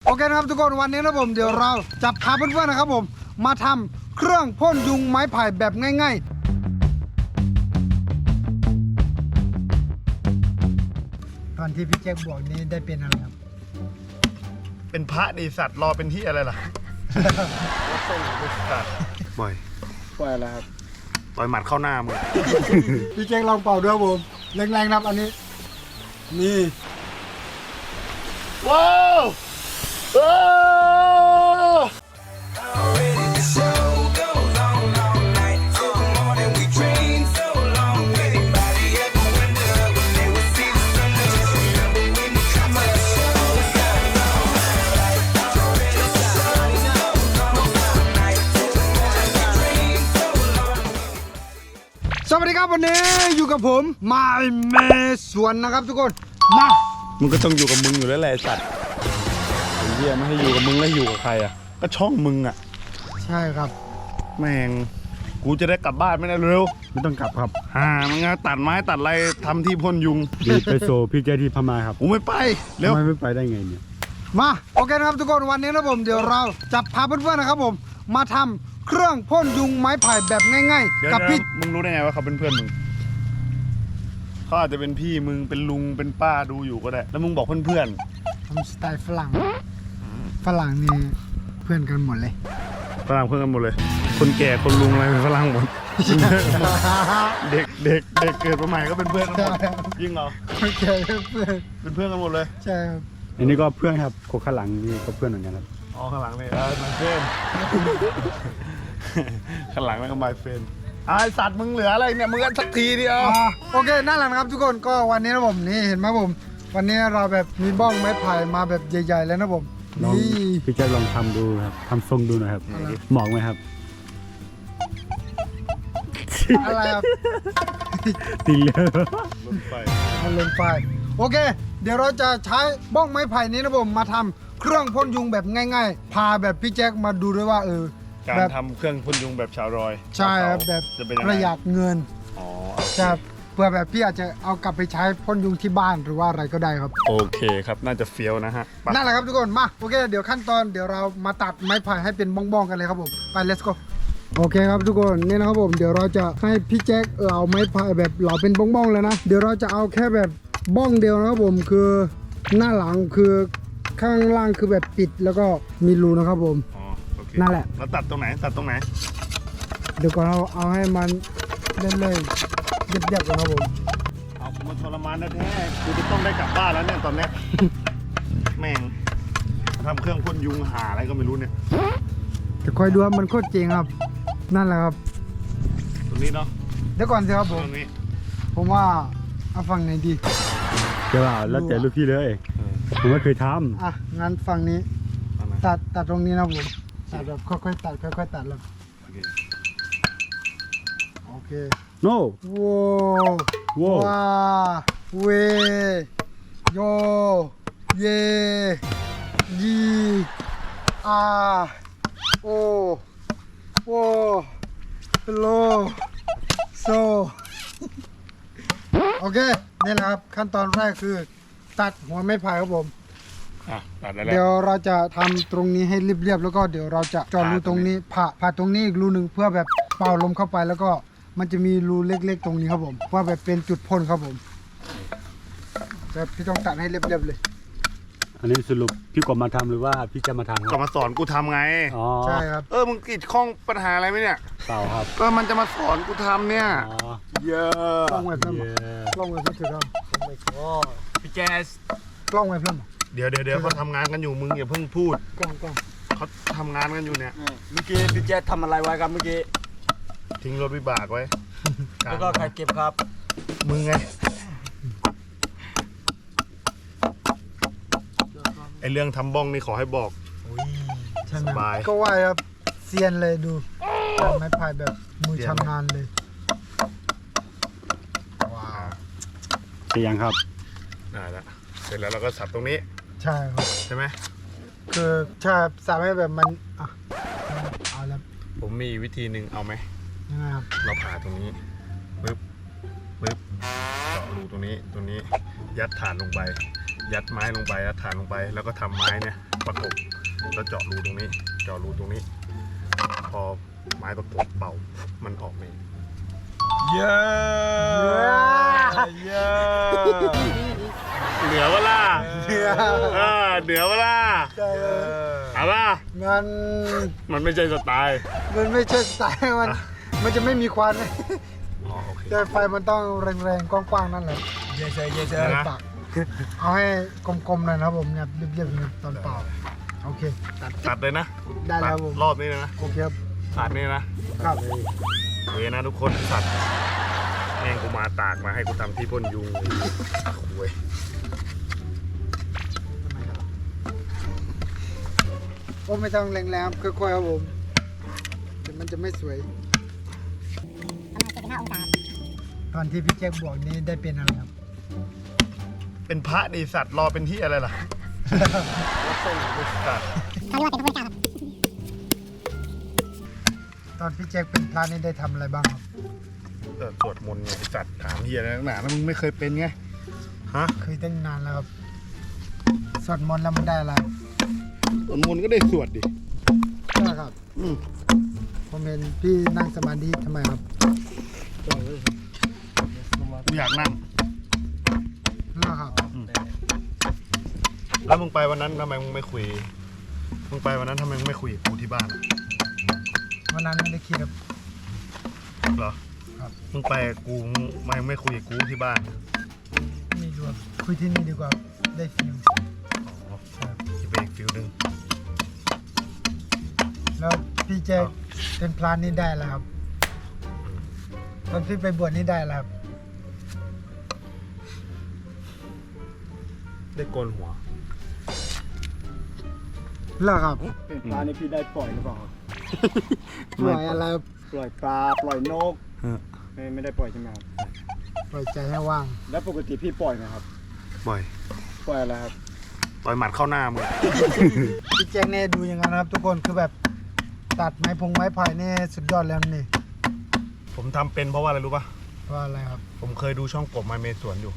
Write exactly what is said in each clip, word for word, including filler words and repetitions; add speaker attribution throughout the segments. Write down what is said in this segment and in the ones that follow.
Speaker 1: โอเคนะครับทุกคนวันนี้นะผมเดี๋ยวเราจะพาเพื่อนๆนะครับผมมาทำเครื่องพ่นยุงไม้ไผ่แบบง่ายๆตอนที่พี่แจ็คบอกนี้ได้เป็นอะไรครับ
Speaker 2: เป็นพระดีสัตว์รอเป็นที่อะไรล่ะปล่อย
Speaker 1: ปล่อยอะไรครับ
Speaker 2: ปล่อยหมัดเข้าหน้ามึง
Speaker 1: พี่แจ็คลองเป่าด้วยผมแรงๆนะครับอันนี้นี่
Speaker 2: ว้าวว้าว
Speaker 1: สวัสดีครับวันนี้อยู่กับผมมาเมสวนนะครับทุกคนมา
Speaker 2: มึงก็ต้องอยู่กับมึงอยู่แล้วแหละสัตว์ไอ้เหี้ยไม่ให้อยู่กับมึงแล้วอยู่กับใครอ่ะก็ช่องมึงอ่ะ
Speaker 1: ใช่ครับ
Speaker 2: แม่งกูจะได้กลับบ้านไม่ได้เร็ว
Speaker 3: ไม่ต้องกลับครับ
Speaker 2: อ่ามึงตัดไม้ตัดอะไรทำที่พ่นยุง
Speaker 3: ดีไปโซพี่แกที่พม่าครับ
Speaker 2: กูไม่ไปเร็ว
Speaker 3: ทำไมไม่ไปได้ไงเนี่ย
Speaker 1: มาโอเคนะครับทุกคนวันนี้นะผมเดี๋ยวเราจะพาเพื่อนๆนะครับผมมาทำเครื่องพ่นยุงไม้ไผ่แบบง่าย
Speaker 2: เดี๋ยว
Speaker 1: ๆ กับพี่
Speaker 2: มึงรู้ได้ไงว่าเขาเป็นเพื่อนมึงเขาอาจจะเป็นพี่มึงเป็นลุงเป็นป้าดูอยู่ก็ได้ แล้วมึงบอกเพื่อน
Speaker 1: ทำสไตล์ฝรั่งฝรั่งนี่เพื่อนกันหมดเลย
Speaker 2: ๆฝรั่งเพื่อนกันหมดเลย คนแก่คนลุงอะไรเป็นฝรั่งหมด เด็กเด็กเด็กเกิดมาใหม่ก็เป็นเพื่อนกันหมดยิ่งเหรอ
Speaker 1: โอเคเพื่อน
Speaker 2: เป็นเพื่อนกันหมดเลย
Speaker 1: ใช่ครับ
Speaker 3: อันนี้ก็เพื่อนครับโคข้างหลังนี่ก็เพื่อนเหมือนกันครับ
Speaker 2: อ๋อข้างหลังนี่เออมันเฟน ข้างหลังนั่นก็มาเฟนไอสัตว์มึงเหลืออะไรเนี่ยมึงกันสักทีเดียว
Speaker 1: อ่าโอเคนั่นแหละนะครับทุกคนก็วันนี้นะผมนี่เห็นไหมผม วันนี้เราแบบมีบ้องไม้ไผ่มาแบบใหญ่ๆแล้วนะผม
Speaker 3: ลอง
Speaker 1: นี่
Speaker 3: พี่แกลองทำดูครับทำทรงดูหน่อยครับ
Speaker 1: อะไร
Speaker 3: เหมาะไหมครับ
Speaker 1: อะไรครับ
Speaker 3: ตีเลย
Speaker 2: รถไฟ
Speaker 1: มันลงไฟโอเค เดี๋ยวเราจะใช้บ้องไม้ไผ่นี้นะผมมาทำเครื่องพ่นยุงแบบง่าย ๆ พาแบบพี่แจ็คมาดูด้วยว่าเออ
Speaker 2: การ
Speaker 1: แบบ
Speaker 2: ทำเครื่องพ่นยุงแบบชาวรอย
Speaker 1: ใช่ครับแบบ
Speaker 2: จะเป็นยัง
Speaker 1: ป
Speaker 2: ไง
Speaker 1: ระหยัดเงิน
Speaker 2: อ๋อ
Speaker 1: จะเพื่อแบบพี่อาจจะเอากลับไปใช้พ่นยุงที่บ้านหรือว่าอะไรก็ได้ครับ
Speaker 2: โอเคครับน่าจะเฟี้ยวนะฮะไป
Speaker 1: นั่นแหละครับทุกคนมาโอเคเดี๋ยวขั้นตอนเดี๋ยวเรามาตัดไม้ไผ่ให้เป็นบ้องๆกันเลยครับผมไป let's go โอเคครับทุกคนนี่นะครับผมเดี๋ยวเราจะให้พี่แจ็คเหลาไม้ไผ่แบบเหลาเป็นบ้องๆแล้วนะเดี๋ยวเราจะเอาแค่แบบบ้องเดียวนะครับผมคือหน้าหลังคือข้างล่างคือแบบปิดแล้วก็มีรูนะครับผม
Speaker 2: อ๋อโอเค
Speaker 1: นั่นแหละ
Speaker 2: แล้วตัดตรงไหนตัดตรงไหน
Speaker 1: เดี๋ยวก่อนเราเอาให้มันเล่นเลยเรียบๆก่อนครับผม
Speaker 2: เอากูมาทรมานแท้ๆกูจะต้องได้กลับบ้านแล้วเนี่ยตอนเนี้ย แม่งทำเครื่องพ่นยุงหาอะไรก็ไม่รู้เนี่ย
Speaker 1: จะคอยดูครับมันโคตรเจ๋งครับ นั่นแหละครับ
Speaker 2: ตรงนี้เนาะ
Speaker 1: เดี๋ยวก่อนสิครับ
Speaker 2: ต
Speaker 1: ผม
Speaker 2: รงนี้
Speaker 1: ผมว่าเอาฝั่งไหนดี
Speaker 3: เจ้าแล้วแต่ลูกพี่เลย
Speaker 2: เออ
Speaker 3: ผมไม่เคยท
Speaker 1: อ่ะงั้นฝั่งนี้
Speaker 2: เอามา
Speaker 1: ตัดตัดตรงนี้นะผมตัดแบบค่อยๆตัดค่อยๆตัดแล้ว
Speaker 2: โอเค
Speaker 1: โอเค
Speaker 3: ำ no
Speaker 1: ว้าว
Speaker 3: โว้
Speaker 1: ว้าเวโยเยยีอาโอโอโลโซโอเคนี่แหละครับขั้นตอนแรกคือ ตัดหัวไม้ไผ่ครับผม
Speaker 2: อ่ะตัดได้แล้ว
Speaker 1: เดี๋ยวเราจะทำตรงนี้ให้เรียบๆแล้วก็เดี๋ยวเราจะเจาะรูตรงนี้ผ่าผ่าตรงนี้อีกรูหนึ่งเพื่อแบบเป่าลมเข้าไปแล้วก็มันจะมีรูเล็กๆตรงนี้ครับผมเพื่อแบบเป็นจุดพ่นครับผมแต่พี่ต้องตัดให้เรียบๆเลย
Speaker 3: อันนี้สรุปพี่กบมาทำหรือว่าพี่จะมาทำค
Speaker 2: ก็
Speaker 3: รับ
Speaker 2: มาสอนกูทำไง
Speaker 3: อ๋อ
Speaker 1: ใช่ครับ
Speaker 2: เออมึงกีดข้องปัญหาอะไรไหมเนี่ย
Speaker 3: เปล่าครับ
Speaker 2: ก็มันจะมาสอนกูทำเนี่ย
Speaker 3: อ๋อ
Speaker 2: เยอะ
Speaker 1: กล้องไว้เพิ่ม
Speaker 3: เย้
Speaker 1: กล้องไว้เพิ่มถือครับ
Speaker 2: พี่แจส
Speaker 1: กล้องไว้เพิ่ม
Speaker 2: เดี๋ยวเดี๋ยวเดี๋ยวเขาทำงานกันอยู่มึงอย่าเพิ่งพูด
Speaker 1: กล้องกล้อง
Speaker 2: เขาทำงานกันอยู่เนี่ย
Speaker 4: เมื่อกี้พี่แจ๊ดทำอะไรไว้ครับเมื่อกี้
Speaker 2: ทิ้งรถวิบากไว้
Speaker 4: แล้วก็ใครเก็บครับ
Speaker 2: มึงไงไอเรื่องทำบ้องนี่ขอให้บอก
Speaker 1: ใช่ไหม
Speaker 2: สบาย
Speaker 1: ก็ว่าครับเซียนเลยดูแบบไม้ไผ่แบบมือชำนาญเลยว้าว
Speaker 3: เสร็จยังครับ
Speaker 2: ได้แล้วเสร็จแล้วเราก็สับตรงนี้
Speaker 1: ใช่ครับ
Speaker 2: ใช่ไหม
Speaker 1: คือถ้าสามให้แบบมันอ่ะเอาแล้ว
Speaker 2: ผมมีวิธีหนึ่งเอาไหม
Speaker 1: ยังไงครับ
Speaker 2: เราผ่าตรงนี้ปึ๊บปึ๊บเจาะรูตรงนี้ตรงนี้ยัดฐานลงไป ยัดไม้ลงไปยัดฐานลงไป แล้วก็ทำไม้เนี่ยประกบแล้วเจาะรูตรงนี้ เจาะรูตรงนี้ พอไม้ประกบเป่ามันออกเองเยอะเยอะเหนือเวล่ะ
Speaker 1: เหนือ
Speaker 2: เออเหนือเวล่ะ
Speaker 1: ใช่เลย
Speaker 2: เอาป่ะ
Speaker 1: มัน
Speaker 2: มันไม่ใช่สไตล์
Speaker 1: มันไม่ใช่สไตล์มัน มันจะไม่มีควัน
Speaker 2: อ๋อโอเค
Speaker 1: แต่ไฟมันต้องแรงๆกว้างๆนั่นแหละ
Speaker 4: เยเซเยเซ
Speaker 2: นะ
Speaker 1: ตักเอาให้กลมๆหน่อยนะครับผมเนี่ยเรียบๆนี่ตอนเป่าโอเคตัด
Speaker 2: ตัดเลยนะ
Speaker 1: ได้แล้วครับผม
Speaker 2: รอบนี้เลยนะ
Speaker 1: โอเคครับ
Speaker 2: ตัดนี่นะครับ เวนะทุกคนสัตว์แม่งกูมาตากมาให้กูทำที่พ่นยุงเว้ย
Speaker 1: โอ้ไม่ต้องแรงๆค่อยๆครับผมเดี๋ยวมันจะไม่สวยตอนที่พี่แจ็คบอกนี้ได้เป็นอะไรครับ
Speaker 2: เป็นพระดีสัตว์รอเป็นที่อะไรล่ะสัตว์
Speaker 1: ตอนพี่แจ็คเป็นพระนี่ได้ทำอะไรบ้างครับ
Speaker 2: เออสวดมนต์ไงไอ้สัตว์ถามเฮียอะไรนักหนาแล้วมึงไม่เคยเป็นไงฮะ
Speaker 1: เคยตั้งนานแล้วครับสวดมนต์แล้วมันได้อะไร
Speaker 2: สวดมนต์ก็ได้สวดดิ
Speaker 1: ใช่ครับ
Speaker 2: อืม
Speaker 1: ผมเห็นพี่นั่งสมาธิทำไมครับ
Speaker 2: กูอยากนั่ง
Speaker 1: แล้วครับ
Speaker 2: แล้วมึงไปวันนั้นทำไมมึงไม่คุยมึงไปวันนั้นทำไมมึงไม่คุยกับกูที่บ้านอะ
Speaker 1: วันนั้นไม่ได้คิดครับ
Speaker 2: เหรอ
Speaker 1: ครับ
Speaker 2: มึงไปกับกูมึงไม่ไม่คุยกับกูที่บ้าน
Speaker 1: นี่ดูครับคุยที่นี่ดีกว่าได้ฟิล
Speaker 2: อ๋อ
Speaker 1: ครับ
Speaker 2: จะไปอีกฟิลหนึ่ง
Speaker 1: แล้วพี่แจ็คเป็นพระนี่ได้แล้วครับตอนพี่ไปบวชนี่ได้แล้วครับ
Speaker 2: ได้โกนหัว
Speaker 1: แล้วครับ
Speaker 4: เป็นปลาในพี่ได้ปล่อยหรือเปล่าครับ
Speaker 1: ปล่อยอะไรครับ
Speaker 4: ปล่อยปลาปล่อยนกไม่ไม่ได้ปล่อยใช่ไหมครับ
Speaker 1: ปล่อยใจให้ว่าง
Speaker 4: แล้วปกติพี่ปล่อยไหมครับ
Speaker 2: บ่อย
Speaker 4: ปล่อยอะไรครับ
Speaker 2: ต่อยหมัดเข้าหน้ามึง
Speaker 1: พี่แจ็คเนี่ยดูอย่างนั้นนะครับ ทุกคนคือแบบตัดไม้พงไม้ไผ่เนี่ยสุดยอดแล้วนี่
Speaker 2: ผมทำเป็นเพราะว่าอะไรรู้ป่ะ
Speaker 1: ว่าอะไรครับ
Speaker 2: ผมเคยดูช่องกบไมเมสวนอยู่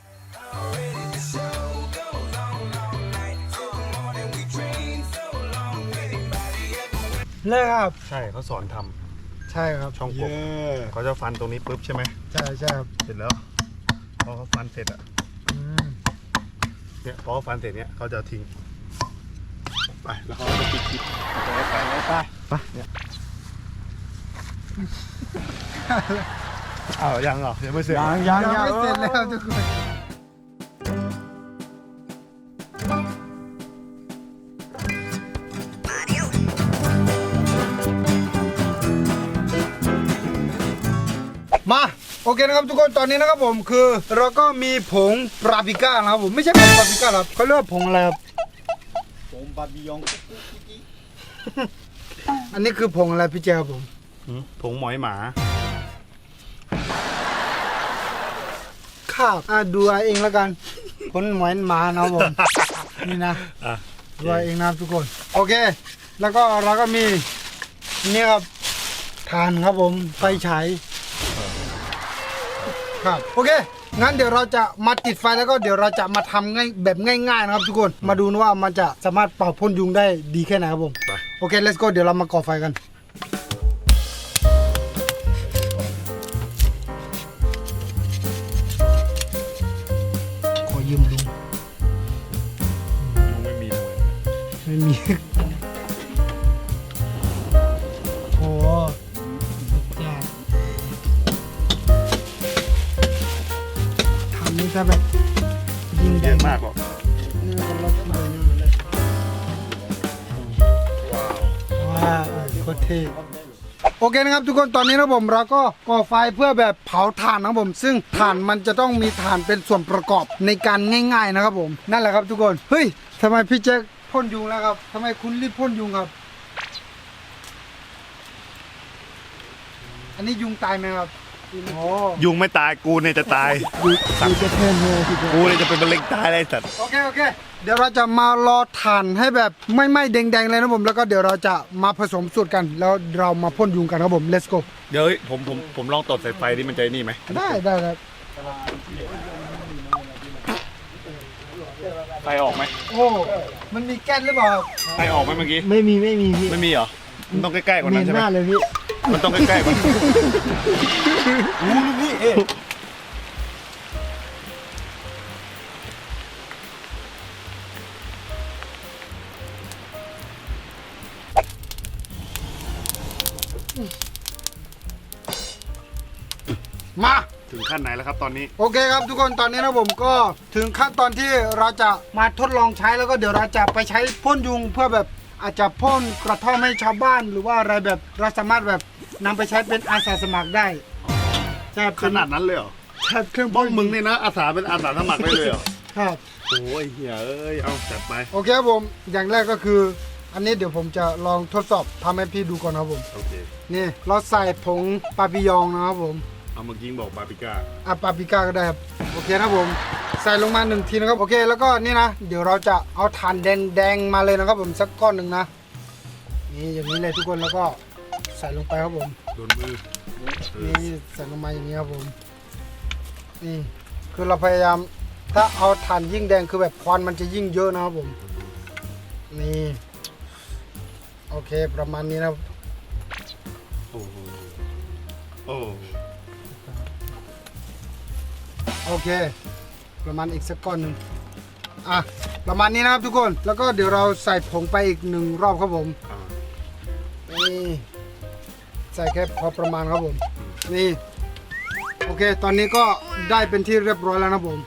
Speaker 1: เลิกครับ
Speaker 2: ใช่เขาสอนทำ
Speaker 1: ใช่ครับ
Speaker 2: ช่องกบเขาจะฟันตรงนี้ปุ๊บใช่ไหม
Speaker 1: ใช่ใช่ครับ
Speaker 2: เสร็จแล้วพอเขาฟันเสร็จอ่ะ
Speaker 1: อืม
Speaker 2: เนี่ยพอเขาฟันเสร็จเนี่ยเขาจะทิ้งไปแล้วเขาจะปิดคลิป
Speaker 4: ไปไปไป
Speaker 2: ไปเนี่ยอ้าวยังเหรอยังไม่เสร็จ
Speaker 4: ยังยัง
Speaker 1: ยัง
Speaker 4: ยัง
Speaker 1: ไม่เสร็จเลยครับทุกคน มาโอเคนะครับทุกคนตอนนี้นะครับผมคือเราก็มีผงปาปริก้านะครับผมไม่ใช่ผงปาปริก้าครับเขาเรียกว่าผงอะไรครับ
Speaker 4: ผมบาบิยอง
Speaker 1: อันนี้คือผงอะไรพี่เจ้าครับผม
Speaker 2: หืมผงหมอยหมา
Speaker 1: ครับอ่ะดูเอาเองแล้วกันผลหมอนหมานะครับผม นี่นะ
Speaker 2: อ่ะ
Speaker 1: ดูเอาเองนะครับทุกคนโอเค แล้วก็เราก็มีนี่ครับทานครับผมไฟฉายครับโอเคงั้นเดี๋ยวเราจะมาติดไฟแล้วก็เดี๋ยวเราจะมาทำง่ายแบบง่ายๆนะครับทุกคนมาดูนะว่ามันจะสามารถเป่าพ่นยุงได้ดีแค่ไหนครับผม
Speaker 2: ไป
Speaker 1: โอเค let's go เดี๋ยวเรามาก่อไฟกันขอยืมลุง
Speaker 2: มึงไม่มีเลย
Speaker 1: ไม่มี โอ้แจ้ทำนี่ถ้าแบบยิง
Speaker 2: เย
Speaker 1: ได้
Speaker 2: อะมากหรอก
Speaker 1: นี่มันรถเลย
Speaker 2: ว้าว
Speaker 1: ว้าวโคตรเท่โอเคนะครับทุกคนตอนนี้นะผมเราก็ก่อไฟเพื่อแบบเผาถ่านนะครับผม ซึ่งถ่านมันจะต้องมีถ่านเป็นส่วนประกอบในการง่ายๆนะครับผมนั่นแหละครับทุกคนเฮ้ยทำไมพี่แจ็คพ่นยุงแล้วครับทำไมคุณรีบพ่นยุงครับ อันนี้ยุงตายไหมครับโอ้
Speaker 2: ยุงไม่ตายกูเนี่ยจะตาย
Speaker 1: ยุงจะเท่เลย
Speaker 2: กูเนี่ยจะเป็นมะเร็งตายเลยไอ้สัตว์
Speaker 1: โอเคโอเคเดี๋ยวเราจะมารอถ่านให้แบบไม่ไหม้แดงๆเลยนะผมแล้วก็เดี๋ยวเราจะมาผสมสูตรกัน แล้วเรามาพ่นยุงกันครับผม let's go
Speaker 2: เดี๋ยวผมผมผมลองตดใส่ไฟดิมันจะนี่ไหม
Speaker 1: ได้ได้ครับ
Speaker 2: ไฟออกไหม
Speaker 1: โอ้มันมีแก๊สหรือเปล่า
Speaker 2: ไฟออกไหมเมื่อกี้
Speaker 4: ไม่มีไม่มีพี่
Speaker 2: ไม่มีเหรอ มันต้องใกล้ๆกว่า
Speaker 4: เหม็
Speaker 2: นั้น
Speaker 4: น
Speaker 2: ใช่ไหม
Speaker 4: มากเลยพี่
Speaker 2: มันต้องใกล้ๆกว่านั้น
Speaker 4: อู้ลูกพี่เอ๊ะ
Speaker 1: มา
Speaker 2: ถึงขั้นไหนแล้วครับตอนนี้
Speaker 1: โอเคครับทุกคนตอนนี้นะผมก็ถึงขั้นตอนที่เราจะมาทดลองใช้แล้วก็เดี๋ยวเราจะไปใช้พ่นยุงเพื่อแบบอาจจะพ่นกระท่อมให้ชาวบ้าน หรือว่าอะไรแบบเราสามารถแบบนำไปใช้เป็นอาสาสมัครได้ใช่
Speaker 2: ขนาดนั้นเลยเหรอ
Speaker 1: ใช่เครื่อง
Speaker 2: บ้
Speaker 1: พ่
Speaker 2: อง
Speaker 1: น
Speaker 2: มึงเนี่ยนะ อาสาเป็นอาสาสมัครได้เลยเหรอ
Speaker 1: ครับ
Speaker 2: โอ้ยเฮียเอ้ย เอาจัดไป
Speaker 1: โอเคครับผมอย่างแรกก็คือ อันนี้เดี๋ยวผมจะลองทดสอบทำให้พี่ดูก่อนนะครับผม
Speaker 2: โอเค
Speaker 1: นี่เราใส่ผงปาปิยองนะครับผม
Speaker 2: เอาเมื่อกี้บอกบาปิก้า
Speaker 1: อ่ะปาปริก้าก็ได้ครับโอเคนะครับผมใส่ลงมาหนึ่งทีนะครับโอเคแล้วก็นี่นะเดี๋ยวเราจะเอาถ่านแดงๆมาเลยนะครับผมสักก้อนหนึ่งนะนี่อย่างนี้เลยทุกคนแล้วก็ใส่ลงไปครับผม
Speaker 2: โดนมือเออ
Speaker 1: นี่ใส่ลงมาอย่างนี้ครับผมนี่คือเราพยายามถ้าเอาถ่านยิ่งแดงคือแบบควันมันจะยิ่งเยอะนะครับผมนี่โอเคประมาณนี้นะครับ
Speaker 2: โอ้โหโอ้
Speaker 1: โอเค ประมาณอีกสักก้อนหนึ่งอ่ะประมาณนี้นะครับทุกคนแล้วก็เดี๋ยวเราใส่ผงไปอีกหนึ่งรอบครับผม
Speaker 2: อ่า
Speaker 1: นี่ใส่แค่พอประมาณครับผมนี่โอเคตอนนี้ก็ได้เป็นที่เรียบร้อยแล้วนะผม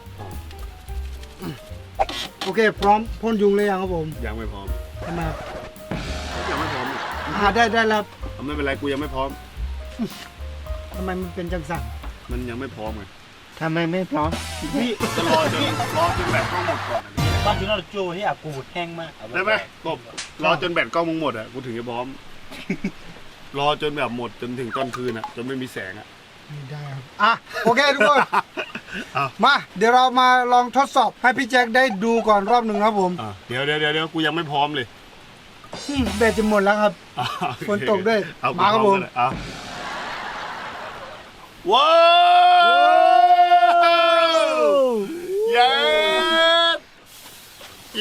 Speaker 1: โอเคพร้อมพ่นยุงเลยยังครับผม
Speaker 2: ยังไม่พร้อม
Speaker 1: ทำไม
Speaker 2: ยังไม่พร้อมอีก
Speaker 1: อ่าได้ได้แล้ว
Speaker 2: เอาไม่เป็นไรกูยังไม่พร้อม
Speaker 1: ทำไมมันเป็นจังสัน
Speaker 2: มันยังไม่พร้อมไง
Speaker 4: ทำไมไม่พร้อม
Speaker 2: พี่จะรอจนรอจนแบตกล้องหมดก่อนอะ
Speaker 3: บ้านจุนเราโจที่อากูแห้งมาก
Speaker 2: ได้ไหมกบรอจนแบตกล้องมึงหมดอ่ะกูถึงจะพร้อม รอจนแบบหมดจนถึงตอนคืนอ่ะจนไม่มีแสงอ่ะ
Speaker 1: ไม่ได้ครับอ่ะโอเคทุกคน
Speaker 2: เอา
Speaker 1: มาเดี๋ยวเรามาลองทดสอบให้พี่แจ็คได้ดูก่อนรอบหนึ่งครับผม
Speaker 2: อ่ะเดี๋ยวเดี๋ยวเดี๋ยวเดี๋ยวกูยังไม่พร้อมเลย
Speaker 1: อืมแบตจะหมดแล้วครับ
Speaker 2: อ่ะโอเค
Speaker 1: ฝนตกด้วย
Speaker 2: เอา
Speaker 1: มาครับผม
Speaker 2: พอกันเลยเอาว้าว เย้เย้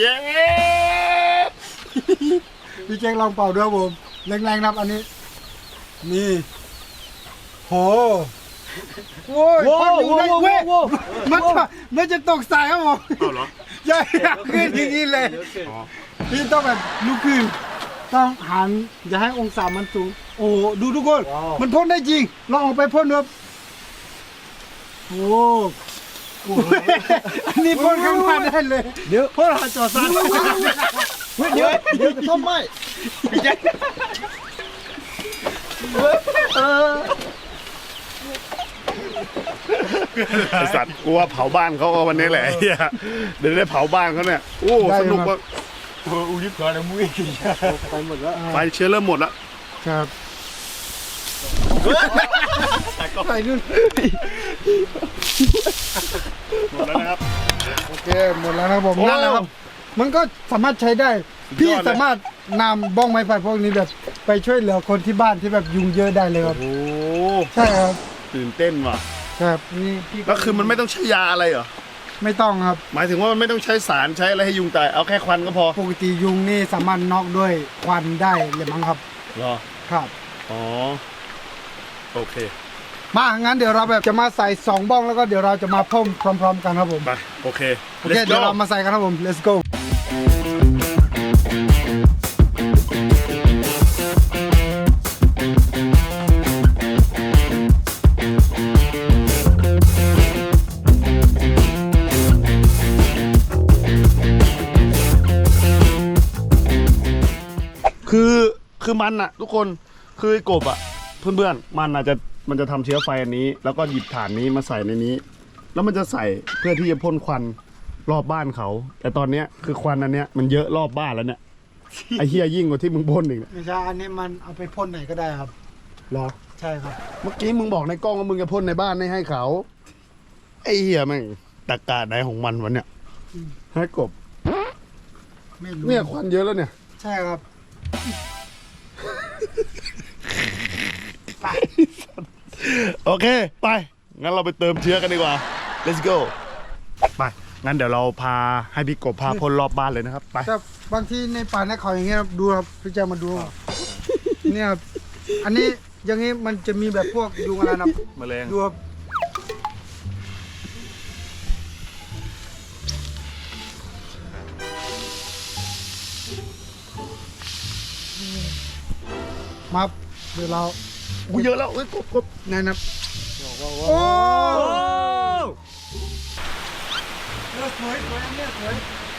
Speaker 1: พี่แจ็คลองเป่าด้วยครับผมแรงๆนะครับอันนี้ นี่โหโว้ยพ่นอยู่ได้เว้ยมันจะมันจะตกใส่ครับผม
Speaker 2: เอาเหรอ
Speaker 1: ใหญ่ขึ้นอย่างนี้เลย
Speaker 2: อ๋อ
Speaker 1: พี่ต้องแบบลุกขึ้นต้องหันอย่าให้องศามันสูงโอ้โหดูทุกคนมันพ่นได้จริงลองออกไปพ่นดูครับโอ้โหอันนี้พ่นข้างบ้านได้เลยเดี๋ยวพ่นหาจอซัน
Speaker 4: เดี๋ยวเดี๋ยวจะต้มไหม
Speaker 2: ไอสัตว์กลัวเผาบ้านเขาก็วันนี้แหละไอ้เหี้ยเดี๋ยวได้เผาบ้านเขาเนี่ยโอ้สนุกว่ะ
Speaker 3: อุ้ยก่อนแล้วมุ้ย
Speaker 4: ไปหมดแล้ว
Speaker 2: ไฟเชื้อเริ่มหมดแล้ว
Speaker 1: ครับ
Speaker 4: ไปนู่น
Speaker 2: หมดแล้วนะครับ
Speaker 1: โอเคหมดแล้วนะครับผม
Speaker 2: โอ้
Speaker 1: นั่นแหละครับ มันก็สามารถใช้ได้ พี่
Speaker 2: ยอดเลย
Speaker 1: สามารถนำบ้องไม้ไผ่พวกนี้แบบไปช่วยเหลือคนที่บ้านที่แบบยุงเยอะได้เลยครับ
Speaker 2: โอ้
Speaker 1: ใช่ครับ
Speaker 2: ตื่นเต้นว่ะ
Speaker 1: ครับนี่พี่
Speaker 2: แล้วคือมันไม่ต้องใช้ยาอะไรเหรอ
Speaker 1: ไม่ต้องครับ
Speaker 2: หมายถึงว่ามันไม่ต้องใช้สารใช้อะไรให้ยุงตายเอาแค่ควันก็พอ
Speaker 1: ปกติยุงนี่สามารถน็อกด้วยควันได้เลยมั้งครับ
Speaker 2: เหรอ
Speaker 1: ครับ
Speaker 2: อ๋อโอเค
Speaker 1: มางั้นเดี๋ยวเราแบบจะมาใส่สองบ้องแล้วก็เดี๋ยวเราจะมาพ่มพร้อม ๆ กันครับผม
Speaker 2: ไปโอเค
Speaker 1: โอเค
Speaker 2: Let's
Speaker 1: เดี๋ยว
Speaker 2: go
Speaker 1: เรามาใส่กันครับผม let's go
Speaker 2: คือคือมันอะทุกคนคือไอ้กบอะเพื่อนๆมันอาจจะมันจะทำเชื้อไฟอันนี้ แล้วก็หยิบถ่านนี้มาใส่ในนี้ แล้วมันจะใส่เพื่อที่จะพ่นควันรอบบ้านเขา แต่ตอนเนี้ยคือควันอันเนี้ยมันเยอะรอบบ้านแล้วเนี่ย ไอ้เฮียยิ่งกว่าที่มึงพ่นอีกเนี่ย
Speaker 1: ไม่ใช่อันนี้มันเอาไปพ่นไหนก็ได้ครับ
Speaker 2: เหรอ
Speaker 1: ใช่ครับ
Speaker 2: เมื่อกี้มึงบอกในกล้องว่ามึงจะพ่นในบ้านไม่ให้เขาไอ้เฮียแม่งตะกาไหนของมันวะเนี่ยให้กบ
Speaker 1: ไม่รู้
Speaker 2: เนี่ยควันเยอะแล้วเนี่ย
Speaker 1: ใช่ครับ
Speaker 2: โอเค ไป งั้นเราไปเติมเชื้อกันดีกว่า let's go ไปงั้นเดี๋ยวเราพาให้พี่กบพาพ่นรอบบ้านเลยนะครับไป
Speaker 1: แต่บางทีในป่าในเขาอย่างเงี้ยครับดูครับพี่แจ๊คมาดูครับเนี่ยครับอันนี้อย่างงี้มันจะมีแบบพวกยุงอะไรนะ
Speaker 2: แมลง
Speaker 1: ดูครับมาครับเดี๋ยวเรา
Speaker 2: กูเยอะแล้วเอ้ยกบกบ
Speaker 1: แนะนำโอ้เลือดสวยสวยเลือดสวย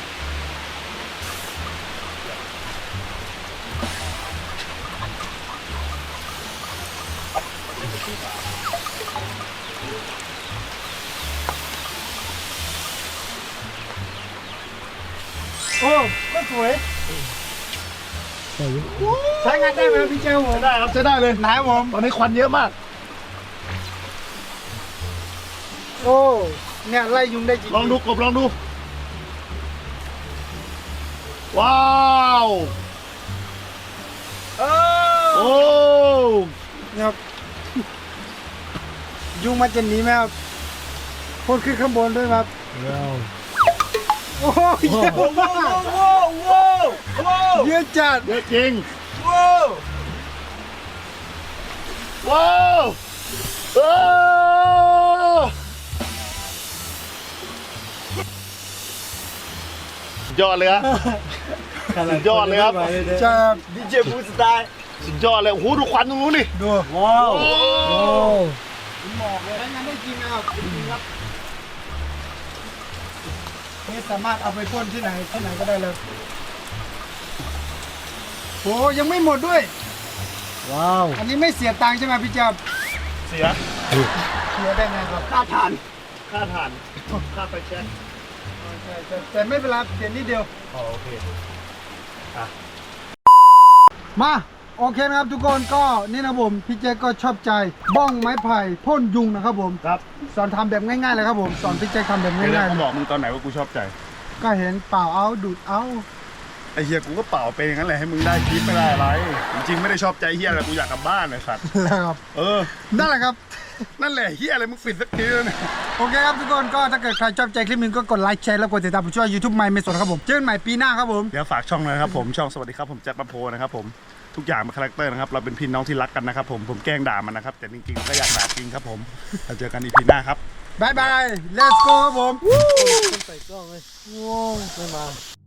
Speaker 1: โอ้ก็สวยใช้งานได้ไหมครับพี่เจ้าผม
Speaker 2: ใช้ได้ครับใช้ได้เลย
Speaker 1: ไหนผม
Speaker 2: ตอนนี้ควันเยอะมาก
Speaker 1: โอ้เนี่ยไล่ยุงได้จริง
Speaker 2: ลองดูกบลองดู ว้าว
Speaker 1: เออ
Speaker 2: โอ้
Speaker 1: เนี่ยครับ ยุงมันจะหนีไหมครับพ่นขึ้นข้างบนด้วยครับโอ้ยเยอะมากเยอะจัด
Speaker 2: เยอะจริง
Speaker 1: ว้าว
Speaker 2: ว้าวเออยอดเลยครับสุดยอดเลยครับ
Speaker 1: ใช่ครับ
Speaker 4: ดีเจบูสไตล์
Speaker 2: สุดยอดเลยโอ้โหดูควันตรงนู้นดิ
Speaker 1: ดู
Speaker 4: ว้าว
Speaker 2: โอ้
Speaker 1: หมอกเลยใช้งานได้จริงนะครับจริงครับนี่สามารถเอาไปพ่นที่ไหนที่ไหนก็ได้เลยโอ้ยังไม่หมดด้วย
Speaker 4: ว้าว
Speaker 1: อันนี้ไม่เสียตังค์ใช่ไหมพี่เจ้า
Speaker 2: เสีย
Speaker 1: เสียได้ไงครับ
Speaker 2: ค่าทานค่าทานค่าไฟแช็ก
Speaker 1: ใช่แต่แต่ไม่เป็นไรเปลี่ยนนิดเดียว
Speaker 2: อ๋อโอเค
Speaker 1: มาโอเคนะครับทุกคนก็นี่นะผมพี่เจก็ชอบใจบ้องไม้ไผ่พ่นยุงนะครับผม
Speaker 2: ครับ
Speaker 1: สอนทำแบบง่ายๆเลยครับผมสอนพี่เจทำแบบ
Speaker 2: เดี๋ยว
Speaker 1: ง่ายๆ
Speaker 2: เขา
Speaker 1: เล
Speaker 2: บอก
Speaker 1: ย
Speaker 2: มึงตอนไหนว่ากูชอบใจ
Speaker 1: ก็เห็นเปล่าเอาดูดเอา
Speaker 2: ไอ้เฮียกูก็เป่าไปอย่างนั้นแหละให้มึงได้คลิปไม่ได้อะไร จริงๆไม่ได้ชอบใจเฮียอะไรกูอยากกลับบ้านเลยสัตว์
Speaker 1: แล้วครับ
Speaker 2: เออ
Speaker 1: นั่นแหละครับ
Speaker 2: นั่นแหละเฮียอะไรมึงปิดสักทีแล้วเนี่ย
Speaker 1: โอเคครับทุกคนก็ถ้าเกิดใครชอบใจคลิปนี้ก็กดไลค์แชร์แล้วกดติดตามผมช่วย YouTube ใหม่เมสดครับผมเจอกันใหม่ปีหน้าครับผม
Speaker 2: เดี๋ยวฝากช่องเลยนะครับผมช่องสวัสดีครับผมแจ็คปะโพนะครับผมทุกอย่างเป็นคาแรคเตอร์นะครับเราเป็นพี่น้องที่รักกันนะครับผมผมแกล้งด่ามันนะครับแต่จริงๆก็อยากด่าจริงครับผมเราเจอกันอีพีหน้าครับ
Speaker 1: บายบาย let's go ครับผม
Speaker 4: ใส่กล้องเลย
Speaker 1: ว้าวไม่มา